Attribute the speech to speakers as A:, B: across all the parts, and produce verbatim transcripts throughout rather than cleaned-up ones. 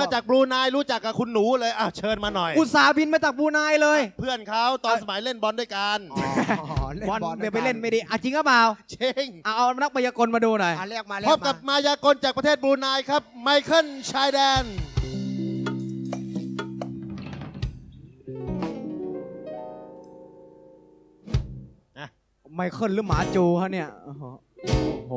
A: มาจากบรูไนรู้จักกับคุณหนูเลยอ่ะเชิญมาหน่อย
B: อุตส่าห์บินมาจากบรูไนเลย
A: เพื่อนเขาตอนสมัยเล่นบอลด้วยกัน
B: บอลเดี๋ยวไปเล่นไม่ดีอ่ะจริงหรือเปล่า
A: จริง
B: เอาเอานักมายากลมาดูหน่อย
C: เรียกมา
A: พบกับมายากลจากประเทศบรูไนครับไมเคิลชายแดน
B: ไมเคิลหรือหมาจูฮะเนี่ยโอ้โห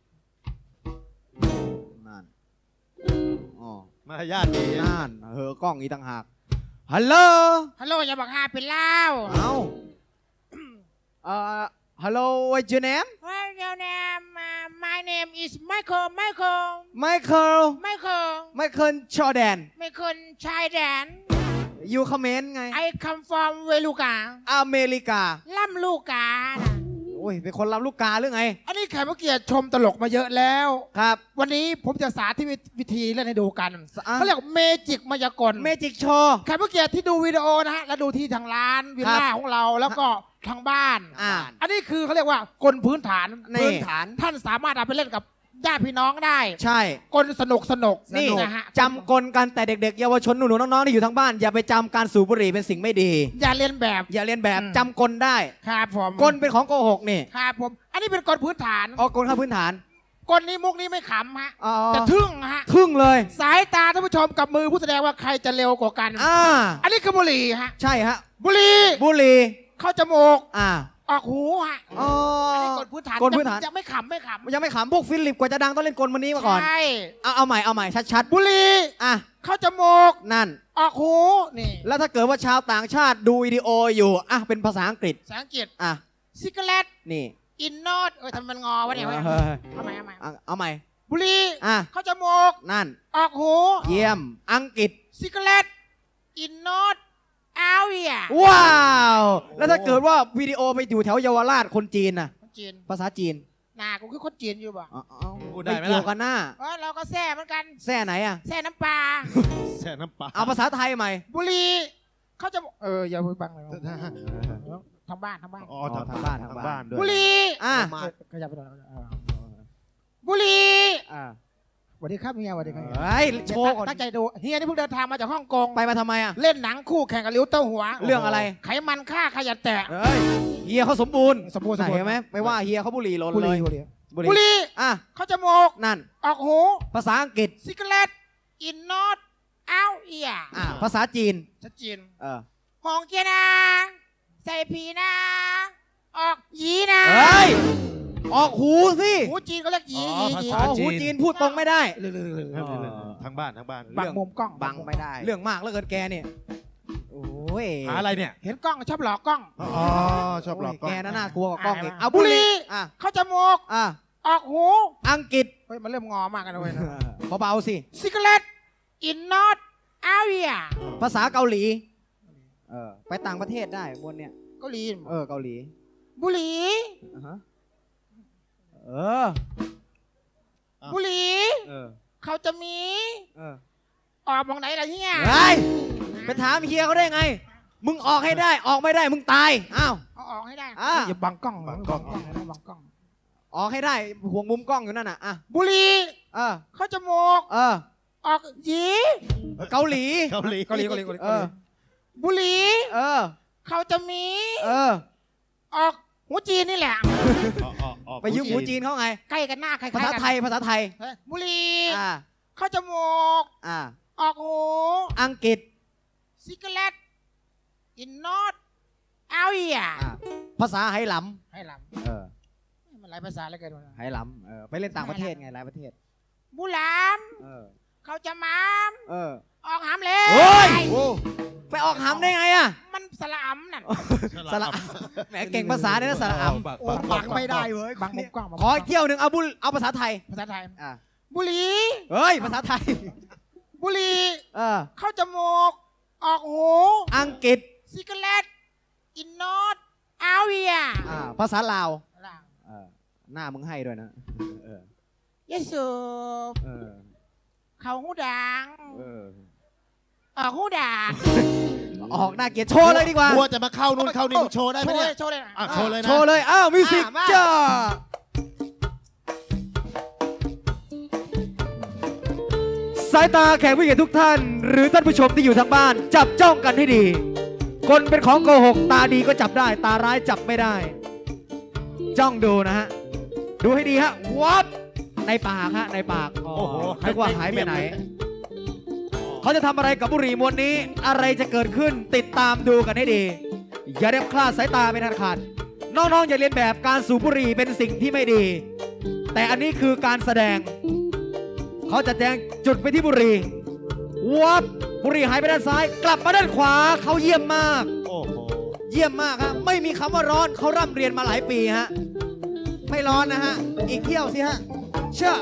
B: นั่นอ๋อ
A: มารยาทดี
B: นั่นเฮอกล้องอีต่างหากฮัลโหล
C: ฮัลโหลอย่าบอกฮาเป็นเล่า
B: เอ้าเอ่อฮัลโหล what's your name
C: What's your name My name is Michael Michael
B: Michael
C: Michael
B: Michael Jordan
C: Michael ชายแดน
B: อยู่เขมรไง
C: I come from เวลูกา
B: อเมริกา
C: ล่ำลูกกา
B: โอ้ยเป็นคนรับลูกกาหรือไง
C: อันนี้แขกผู้เกียรติชมตลกมาเยอะแล้ว
B: ครับ
C: วันนี้ผมจะสาธิตวิธีเล่นให้ดูกันเขาเรียกเมจิกมายากล
B: เมจิกโชว์
C: แขกผู้เกียรติที่ดูวิดีโอนะฮะแล้วดูที่ทางร้านวิลล่าของเราแล้วก็ทางบ้าน
B: อ่า
C: อันนี้คือเขาเรียกว่ากลพื้นฐานพื้นฐานท่านสามารถเอาไปเล่นกับญาติพี่น้องได้
B: ใช่
C: กลสนุกสนุก
B: นี่
C: นะฮะ
B: จำกลกันแต่เด็กๆเยาวชนหนูๆน้องๆที่อยู่ทางบ้านอย่าไปจำการสูบบุหรี่เป็นสิ่งไม่ดี
C: อย่าเรียนแบบ
B: อย่าเรียนแบบจำกลได้
C: ครับผม
B: กลเป็นของโกหกนี่
C: ครับผมอันนี้เป็นกลพื้นฐาน
B: อ๋อกลข้าพื้นฐาน
C: กลนี้มุกนี้ไม่ขำฮะ
B: แต่
C: ทึ่งฮะ
B: ทึ่งเลย
C: สายตาท่านผู้ชมกับมือผู้แสดงว่าใครจะเร็วกว่ากัน
B: อ่า
C: อันนี้คือบุหรี่ฮะ
B: ใช่ฮะ
C: บุหรี่
B: บุหรี่
C: เข้าจมูก
B: อ่า
C: ออกหูฮะ
B: อ๋ออัน
C: นี้กลพื้นฐาน
B: กลพื้นฐาน
C: จะไม่ขำไม่ขำ
B: ยังไม่ขำพวกฟิลิปกว่าจะดังต้องเล่นกลมันนี้มาก่อน
C: ใช่
B: เอาเอาใหม่เอาใหม่ชัด
C: ๆบุหรี่
B: อ่ะ
C: เข้าจมูก
B: นั่น
C: ออกหูนี่
B: แล้วถ้าเกิดว่าชาวต่างชาติดูวิดีโออยู่อ่ะเป็นภาษาอังกฤษ
C: ภาษาอังกฤษ
B: อ่ะ
C: ซิกเลต
B: นี่
C: อินโนดเอ้ยทำมันงอวะเนี่ยเอาใหม่เอาใหม่
B: เอาใหม่
C: บุหรี่
B: อ่ะ
C: เข้าจมูก
B: นั่น
C: ออกหู
B: เยี่ยมอังกฤษ
C: ซิกเลตอินโนดเอาเอีย
B: ว้าวแล้วถ้าเกิดว่าวิดีโอไปอยู่แถวเยาวราชคนจีนน่ะ
C: จีน
B: ภาษาจีน
C: น่ากูคือคนจีนอยู่ป่ะ
B: พูดได้ไหมล่ะกันหน้า
C: เราก็แซ่เหมือนกัน
B: แซ่ไหนอ่ะ
C: แซ่น้ำปลา
A: แซ่น้ำปลา
B: เอาภาษาไทยใหม่
C: บุรีเขาจะเอออย่าพูดบังเลยทางบ้านทางบ้าน
A: อ๋อทางบ้านทางบ้านด้วย
C: บุรี
B: อ่ะ
C: ขยับไปหน่อยบุรี
B: อ่า
C: สวัสดีครับเฮียสวัสดีครับ
B: เฮ้ยโชว์
C: ตั้งใจดูเฮียนี่เพิ่งเดินทางมาจากฮ่องกง
B: ไปมาทำไมอ่ะ
C: เล่นหนังคู่แข่งกับลิ้วเต้าหัว
B: เรื่องอะไร
C: ไขมันฆ่าขยันแตะ
B: เฮ้ยเฮียเขาสมบูรณ์
C: สมบูรณ์
B: เห็นไหมไม่ว่าเฮียเขาบุหรี่ล้นเลย
C: บุหรี่
B: อ่ะ
C: เขาจมูก
B: นั่น
C: ออกหู
B: ภาษาอังกฤษ
C: ซิกเลตอินนอตเอาเอีย
B: อ่ะภาษาจีน
C: ชัดจีน
B: เออ
C: หองเกียนาใส่ผีนาออกยีนา
B: เฮ้ยออกหูสิ
C: หูจีนเขาเรียกยี
B: ภาษาหูจีนพูดตรงไม่ได้
A: ทางบ้านทางบ้าน
C: บังมุมกล้อง
B: บังไม่ได้เรื่องมากแล้วเกินแกเนี่ยโอ้ย
A: หาอะไรเนี่ย
C: เห็นกล้องชอบหลอกกล้อง
A: อ๋อชอบหลอกกล้อง
B: แกน่ากลัวกว่ากล้องอีกเอา
C: บุหรี่
B: อ่ะ
C: เข้าจมูก
B: อ่ะ
C: ออกหู
B: อังกฤษ
C: เฮ้ยมันเริ่มงอมากกันเลยนะ
B: เบาๆสิ
C: ซิกเลตอินนอตอาเวีย
B: ภาษาเกาหลีเออไปต่างประเทศได้บนเนี่ย
C: เกาหลี
B: เออเกาหลี
C: บุหรี่
B: เออ
C: บุหรี่เขาจะมีออกมองไหนล่ะเฮีย
B: เฮ้ยไปถามเฮียเขาได้ไงมึงออกให้ได้ออกไม่ได้มึงตายอ้าว
C: เอาออกให้ได้
B: อย่
C: าบังกล้องบังกล้องบังกล้อง
B: ออกให้ได้ห่วงมุมกล้องอยู่นั่นน่ะอ่ะ
C: บุหรี่
B: เออ
C: เขาจมูก
B: เออ
C: ออกยี
B: เกาหลี
A: เกาหลี
C: เกาหลีเกาหลี
B: เออ
C: บุหรี่
B: เออ
C: เขาจะมี
B: เออ
C: ออกหูจีนนี่แหละ
B: ไปยืมหูจีนเขาไง
C: ใกล้กันหน้าใคร
B: ภาษาไทยภาษาไทย
C: บุหรี่
B: อ่า
C: เข้าจมูก
B: อ่า
C: ออกหู
B: อังกฤษ
C: ซิกเลตอินนอตเอาเอีย
B: ภาษาไหหล
C: ำไหหล
B: ำเออ
C: มันหลายภาษาแล้วกัน
B: ไหหลำเออไปเล่นต่างประเทศไงหลายประเทศ
C: บุหลาม
B: เออ
C: เขาจะมาม
B: เออ
C: ออกหามเลย
B: โอ้ยไปออกหามได้ไงอ่ะ
C: มันสละอัมนั่น
B: สละแหมเก่งภาษาเนี่ยนะสละอัม
C: บังไม่ได้เว้ยบังมุมกล้อง
B: ขอเที่ยวหนึ่งเอาบุเอาภาษาไทย
C: ภาษาไทย
B: อ่ะ
C: บุหรี่
B: เฮ้ยภาษาไทย
C: บุหรี่
B: เออ
C: เข้าจมูกออกหู
B: อังกฤษ
C: ซิกเลตอินนอตอาเวีย
B: อ่าภาษาลาวหน้ามึงให้ด้วยนะเอ
C: อยสูบเขาหูดังออกหูดัง
B: ออกหน้าเกียรติโชว์เลยดีกว่าก
A: ลัวจะมาเข้านู่นเข้านี่โชว์ได้ไหมเนี่ย
C: โชว์เลย
A: โชว์เลยนะ
B: โชว์เลยอ้าวมิวสิกจ้าสายตาแขกผู้เกียรติทุกท่าน หรือท่านผู้ชมที่อยู่ทางบ้าน จับจ้องกันให้ดี คนเป็นของโกหกตาดีก็จับได้ ตาร้ายจับไม่ได้ จ้องดูนะฮะ ดูให้ดีฮะวับในปากฮะในปากอ๋อ
A: โอ้โห
B: นึกว่าหายไปไหน เขาจะทำอะไรกับบุหรี่มวลนี้ อะไรจะเกิดขึ้นติดตามดูกันให้ดี อย่าเด็บคลาดสายตาเป็นอันขาดน้องๆอย่าเรียนแบบการสูบบุหรี่เป็นสิ่งที่ไม่ดี แต่อันนี้คือการแสดง เขาจะแจงจุดไปที่บุหรี่วับบุหรี่หายไปด้านซ้าย กลับมาด้านขวาเขาเยี่ยมมาก
A: โอ้โห
B: เยี่ยมมากฮะไม่มีคำว่าร้อนเขาร่ำเรียนมาหลายปีฮะไม่ร้อนนะฮะอีกเที่ยวสิฮะเชื่อ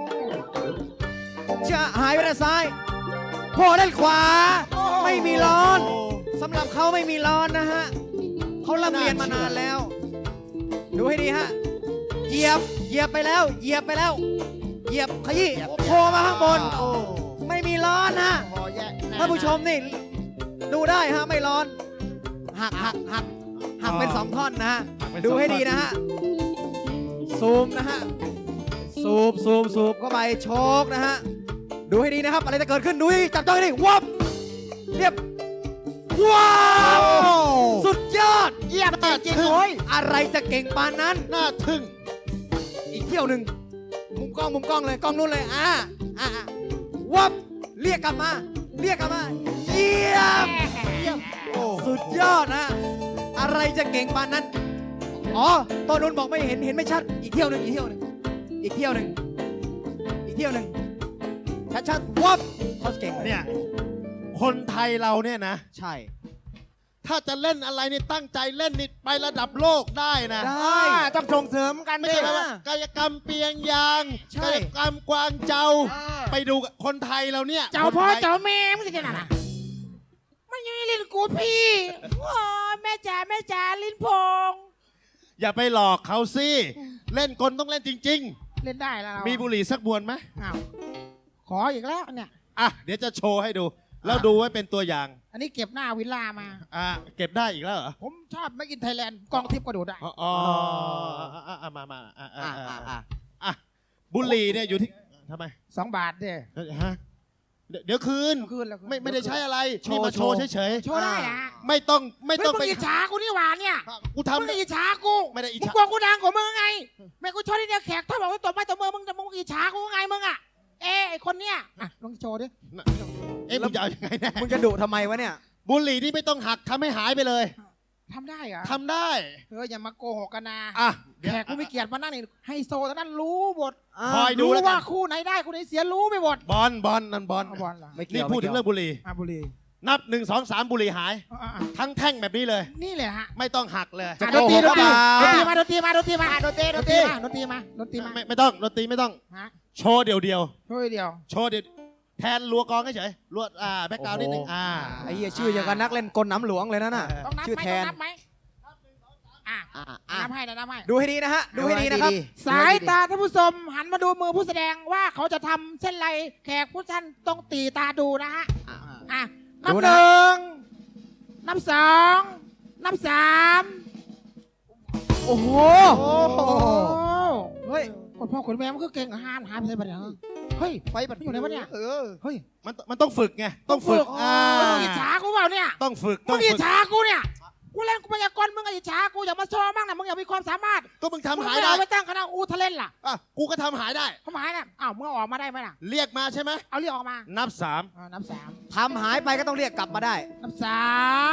B: เชื่อหายไปด้านซ้ายโผล่ด้านขวา ไม่มีร้อนสำหรับเขาไม่มีร้อนนะฮะเขาร่ำเรียนมานานแล้ว ดูให้ดีฮะเหยียบเหยียบไปแล้วเหยียบไปแล้วเหยียบขยี้โผล่มาข้างบนโอ้ไม่มีร้อนนะ
C: พอแยะ
B: ท่านผู้ชมนี่ดูได้ฮะไม่ร้อนหักหักหักหักเป็นสองท่อนนะฮะ
A: หักเป็นสอง
B: ดูให้
A: ท่อน
B: ดีนะฮะซูมนะฮะซูมซูมซูมเข้าไปโชกนะฮะดูให้ดีนะครับอะไรจะเกิดขึ้นดูให้จับจ้องให้ดีวับเรียบว้าวสุดยอด
C: เยี่ยมจริง
A: ทึ่
C: ๆโอ้ย
B: อะไรจะเก่งปานนั้น
A: น่าทึ่ง
B: อีกเที่ยวหนึ่งมุมกล้องมุมกล้องเลยกล้องนู้นเลยอ่าอ่าอ่าวับเรียกกลับมาเรียกกลับมาเยี่ยมเยี่ยม
A: โอ้
B: สุดยอดนะ อะไรจะเก่งปานนั้น อ๋อตอนนู้นบอกไม่เห็น เห็นไม่ชัด อีกเที่ยวหนึ่งอีกเที่ยวหนึ่งอีกเที่ยวหนึ่งอีกเที่ยวหนึ่งชัดชัดๆวับเขาเก่งเลย
A: เนี่ย คนไทยเราเนี่ยนะ
B: ใช่
A: ถ้าจะเล่นอะไรนี่ตั้งใจเล่นนี่ไประดับโลกได้นะ
B: ได้
C: อ่าต้องส่งเสริมกัน
A: ไม่
C: ดิ
A: ใช่แบบว่ากายกรรมเปียงยาง
B: ใช่
A: กายกรรมกวางเจ้า
C: เออ
A: ไปดูคนไทยเราเนี่ย
C: เจ้า
A: คน
C: พ่อ
A: ไทย
C: เจ้าแม่มึงจะนั่นน่ะมันยังไม่เล่นกูพี่โอ้ยแม่จ๋าแม่จ๋าลิ้นพง
A: อย่าไปหลอกเขาสิ เล่นกลต้องเล่นจริง
C: เล่นได้แล้วเรา
A: ๆ มีบุหรี่สักบวนไหม
C: อ้าวขออีกแล้วเนี่ย
A: อ่ะ เดี๋ยวจะโชว์ให้ดู แล้วดูไว้เป็นตัวอย่าง
C: อันนี้เก็บหน้าวิลล่ามา
A: อ่ะ เก็บได้อีกแล้วเหรอ
C: ผมชอบไม่กินไทยแลนด์กองทิพย์ก็ดูได้
A: อ๋ออ๋ออ่ะอ่ะมามาอ่ะอ่ะ
B: อ่า
A: อ่ะ
B: อ่าอ่า
A: อ่ะบุหรี่เนี่ยอยู่ที่ทำไม
C: สองบาทเด้
A: เอ้ยฮะเดี๋ยวเดี๋ยวคืน
C: คืนแล้วคืน
A: ไม่ไม่ได้ใช้อะไร
B: โชว์
A: นี่มาโชว์
B: โชว์
A: เฉย
C: โชว์ได้อะ
A: ๆ ไม่ต้องไม่
C: เฮ้ย
A: ต้อง
C: มึ
A: ไป
C: งอิจฉากูนี่หว่าเนี่ย
A: กู
C: มึง
A: ทำ
C: อิจฉากู
A: ไม่ได้อิจ
C: มึง
A: ฉา
C: กลัวกูดังกว่ามึงไงแม่กูชอบที่เนี่ยแขกถ้าบอกว่าตบไม้ตบมือมึงจะมึงอิจฉากูไงมึงอ่ะเอ้ไอคนเนี้ยอ่ะลองโชว์ดิ
A: เอ๊ะมึงจะเอายังไงแน่
B: มึงจะดุทำไมวะเนี่ย
A: บุหรี่นี่ไม่ต้องหักทำให้หายไปเลย
C: ทำได้เหรอ
A: ทำได้
C: เอออย่ามาโกหกกันนะ
A: อ่ะ
C: แขกกูไม่เกลียดมานั่งนี่ไฮโซตอนนั้นรู้หมด
A: คอยดู
C: รู้
A: แล้วกั
C: ว่าน คู่ไหนได้คู่ไหนเสียรู้ไปหมด
A: บอลบอลนั่นบอล
C: เอาบอลเหรอ
B: ไม่เกี่
A: นี่
B: ยว
A: พูดถึงเรื่องบุหรี่
C: อ่ะบุรี
A: นับหนึ่งสองสามบุหรี่หาย
C: อ่ะอ่ะ
A: ทั้งแท่งแบบนี้เลย
C: นี่เลยฮะ
A: ไม่ต้องหักเลย
C: อ่ะดนตรีดนตรี
B: จะ
C: ด
B: โก
C: น
B: ห
C: ต
B: ก
C: รี
B: เปล่า
C: มาดนตรีมาดนตรีมาดนตรีมาดนตรีมาดนตรีมา
A: ไม่ไม่ต้องดนตรีไม่ต้อง
C: ฮะ
A: โชว์เดียวเดียว
C: ช่วยเดียว
A: ๆโชว์เดียวแทนรัวกองเฉยๆรัวอ่าแบ็กกราวด์นิดนึงอ่า
B: ไอ้เหี้ยชื่ออย่างกับนักเล่นกลน้ำหลวงเลยนะน่ะ
C: ต้องนับ
B: ชื่อ
C: ไหม
B: แท
C: ต้อง
B: น
C: นับไหมอ่ะ
B: อ่าอ่า
C: นับให้นะนับให้
B: ดูให้ดีนะฮะ ดูให้ดีนะครับ
C: สายตาท่านผู้ชมหันมาดูมือผู้แสดงว่าเขาจะทำเส้นไรแขกผู้ท่านต้องตีตาดูนะฮะ
B: อ่า
C: อ่ะนับ
B: ดู
C: ห
B: นะ
C: นึ่งนับสองนับสาม
B: โอ้โห
C: โอ้โห
B: เฮ้ย
C: คนพ่อคนแม่มันก็เก่งห้ามหายไปไหนปะเนี่ยเฮ้ย
B: ไปบัด
C: อยู่ไหนวะเนี่ย
B: เออ
C: เฮ้ย
A: มันมันต้องฝึกไงต้องฝึกอ่า
C: แล้วมึงอิจฉากูเปล่าเนี่ย
A: ต้องฝึกต้
C: มึ
A: อง
C: งอิ
A: ฝึ
C: จ
A: ก
C: ฉากูเนี่ยกูเล่นกูพยากรณ์มึงอิจฉากูอย่ามาโชว์บ้างนะมึงอย่ามีความสามารถ
A: ก็มึงทำ
C: มึง
A: หาย
C: ไม่
A: ได้
C: เอาไปตั้งคณะอูทะเลนล่ะ
A: อ่ะกูก็ทำหายได้
C: ทำหายน่ะอ้าวมึงเอาออกมาได้ไหมล่ะ
A: เรียกมาใช่ไหม
C: เอาเรียกออกมา
A: นับสาม
C: อ่านับสาม
B: ทำหายไปก็ต้องเรียกกลับมาได้
C: นับสาม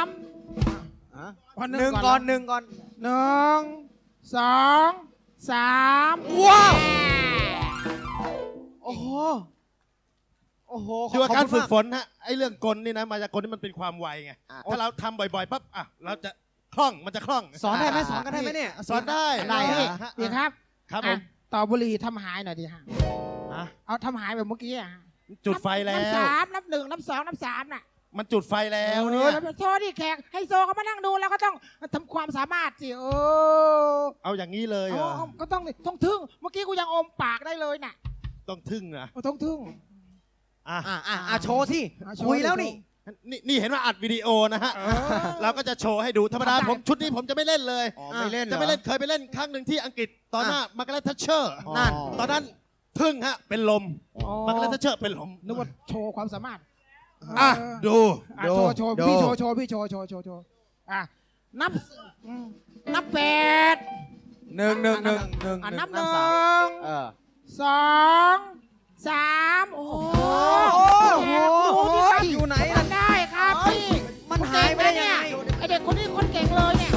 B: อ่ะ
C: วัน
B: หนึ่งก่อนหนึ่งก่อน
C: หนึ่งสองสาม
B: ว้าว โอ้โห โอ้โห
A: คือว่าการ
B: ข
A: ฝึ
B: บ
A: ก
B: คุณ
A: ฝนฮะไอ้เรื่องกลนี่นะมาจากกลนี่มันเป็นความไวไง
B: อ่ะ
A: ถ้าเราทำบ่อยๆปั๊บอ่ะเราจะคล่องมันจะคล่อง
B: สอนได้ไหมสอนกันได้ไหมเนี่ย
A: สอนได้
B: ได้
C: ได้
B: เหรอ
C: ฮะดีครับ
A: ครับผม
C: อ่ะต่อบุหรี่ทำหายหน่อยดีฮะ
A: อ่ะ
C: เอาทำหายแบบเมื่อกี้อ่ะ
A: จุดไฟแล้
C: นับ
A: ว
C: สามนับหนึ่งนับสองนับสามน่ะ
A: มันจุดไฟแล้ว
C: เอ
A: เนี่
C: อย แล้วโชว์ดิแขกไฮโซเขามานั่งดูแล้วก็ต้องทำความสามารถสิเออ
A: เอาอย่างนี้เลยเหรอ
C: เอาก็ต้องต้องทึ่งเมื่อกี้กูยังอมปากได้เลยน่ะ
A: ต้องทึ่งนะ
C: เอาต้องทึ่ง
A: อ่ะ
B: อ่ะอ่ะอ่ะโชว์สิ
C: อ่ะโชว์
B: คุยแล้ว
C: ดิ
B: นี่
A: นี่นี่เห็นว่าอัดวิดีโอนะฮะ
C: เออ
A: เราก็จะโชว์ให้ดูธรรมดา
C: ทำได้
A: ผมชุดนี้ผมจะไม่เล่นเลย
B: อ๋อไม่เล่นเหรอ
A: จะไม่เล่นเคยไปเล่นครั้งหนึ่งที่อังกฤษตอนหน้ามาร์กาเร็ตทัชเชอร์
B: นั่น
A: ตอนนั้นทึ่งฮะ เป็นลม
C: อ๋อ
A: มันก็เลยจะเชิดเป็นลม
C: นึกว่าโชว์ความสามารถ
A: อ่ะ
C: เออ
A: ดู
C: อ่ะ
A: ดู
C: โชว์โชว์
A: ดู
C: พี่โชว์โชว์พี่โชว์โชว์โชว์โชว์อ่ะนับอืมนับแปด
B: หนึ่งหนึ่งหนึ่งหนึ่ง
C: อ่ะ
B: ห
C: นั
B: นึ่
C: บ
B: ง
C: ห
B: นับ
C: นึ่
B: สาม
C: ง
B: เออ
C: สองสามโอ้โห
B: โอ้โห
C: ดูสิครับ
B: อยู่ไหน
C: ทำได้ครับพี่
B: มันหายไปได้ยังไง
C: ไอเด็กคนนี้คนเก่งเลยเนี่ย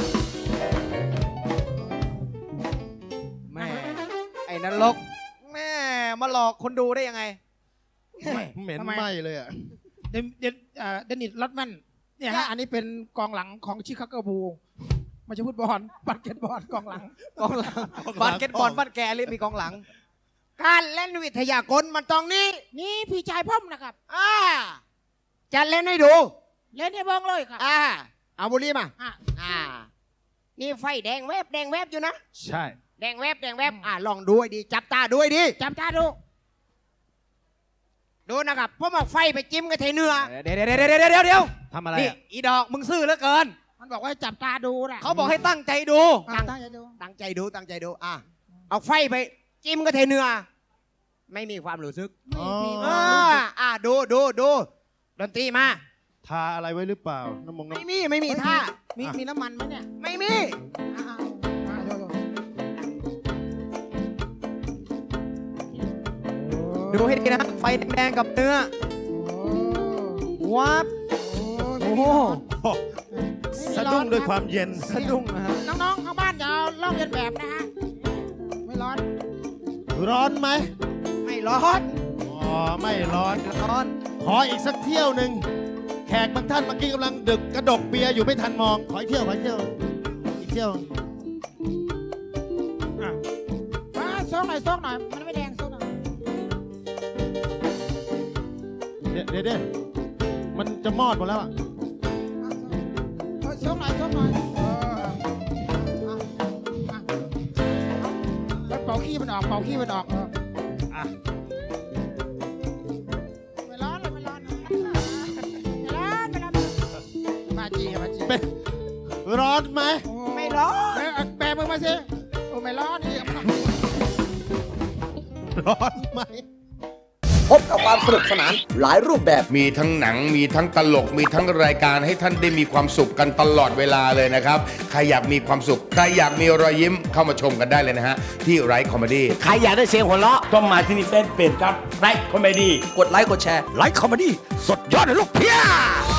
B: แม่ไอ้นรกแม่มาหลอกคนดูได้ยังไง
A: เหม็น
C: ทำไม
A: ไหมเลยอ่ะ
C: เดนเดนเอ่อเดนิสลอตแมนเนี่ยฮะอันนี้เป็นกองหลังของชิคาโกบูลไม่ใช่ฟุตบอลบาสเกตบอลกองหลัง
B: กองหลังบาสเกตบอลบ้านแกเรียกมีกองหลัง การเล่นวิทยากลมันตรงนี้
C: นี่พี่ชายพ่อมนะครับ
B: อ่าจะเล่นให้ดู
C: เล่นให้เบิ้งเลยครับ
B: อ่าเอาบุหรีมา
C: อ่ะ
B: อ่า นี่ไฟแดงแวบแดงแวบอยู่นะ
A: ใช่
B: แดงแวบแดงแวบอ่าลองดูให้ดี จับตาดูให้ดี
C: จำตาดู
B: ดูนะครับผมเอาไฟไปจิ้มกับเทเนื้อเดี๋ยวเดี๋ยวเดี๋ยวเดี๋ยวเดี๋ยวเดี๋ยว
A: ทำอะไร
B: นี่
A: อ่ะ
B: อีดอกมึงซื่อเหลือเกิน
C: มันบอกว่าให้จับตาดูนะ
B: เขาบอกให้ตั้งใจดู
C: อ่ะตั้งใจดู
B: ตั้งใจดูตั้งใจดู อ่ะเอาไฟไปจิ้มกับเทเนื้อไม่มีความรู้สึก
C: ไม่มี
B: อ่าอ่าดูดูดูดนตรีมา
A: ทาอะไรไว้หรือเปล่า น้ำมงน้
B: ไม่มีไม่มีท่า
C: มีมีน้ำมันไหมเนี่ย
B: ไม่มี
C: อ้าวอ่ะโยโย่
B: ดูให้ดีนะไฟแดงๆกับเนื้อ
C: โอ้
B: วับ
C: โอ้
B: โอ้โห
A: ำโอ้สะดุ้งด้วยความเย็น
B: สะดุ้งนะฮะ
C: น้องๆข้างบ้านอย่าเอาลอกเลียนแบบนะฮะไม่ร้อน
A: ร้อนไหม
B: ไม่ร้อน
A: อ๋อ ไม่ร้อน
B: ร้อน
A: ขออีกสักเที่ยวหนึ่ง แขกบางท่านเมื่อกี้กำลังดึกกระดกเบียร์อยู่ไม่ทันมอง ขออีกเที่ยว ขออีกเที่ยว อีกเที่ยว
C: อ่ะมาซกหน่อยซกหน่อย มันไม่แดงซกหน่อย
A: เดี๋ยวเดี๋ยวเดี๋ยวมันจะมอดหมดแล้วอ่ะ
C: อ่ะซกหน่อยซกหน่อยเอออ่ะอ่ะแล้วเป่าขี้มันออกเป่าขี้มันออกเออ
A: อ่ะ
C: ไม่ร้อนเลยไม่ร้อนนะไม่ร้อนไม่ร้อนมาจีมาจี
A: เป็นร้อนไหม
C: โอ้
B: ไม่ร้อน
C: เอ้ยเอาแบมือมาสิโอ้ไม่ร้อนนี่
A: ร้อนไหม
D: พบกับความสนุกสนานหลายรูปแบบ
E: มีทั้งหนังมีทั้งตลกมีทั้งรายการให้ท่านได้มีความสุขกันตลอดเวลาเลยนะครับ ใครอยากมีความสุข ใครอยากมีรอยยิ้มเข้ามาชมกันได้เลยนะฮะ ที่ไรคอมเมดี้
D: ใครอยากได้เสียงหัวเราะ
F: ต้องมาที่นี่เฟซเพจครับไลค์คอมเมดี้
D: กดไลค์กดแชร์ไลค์คอมเมดี้สดยอดเลยลูกเพีย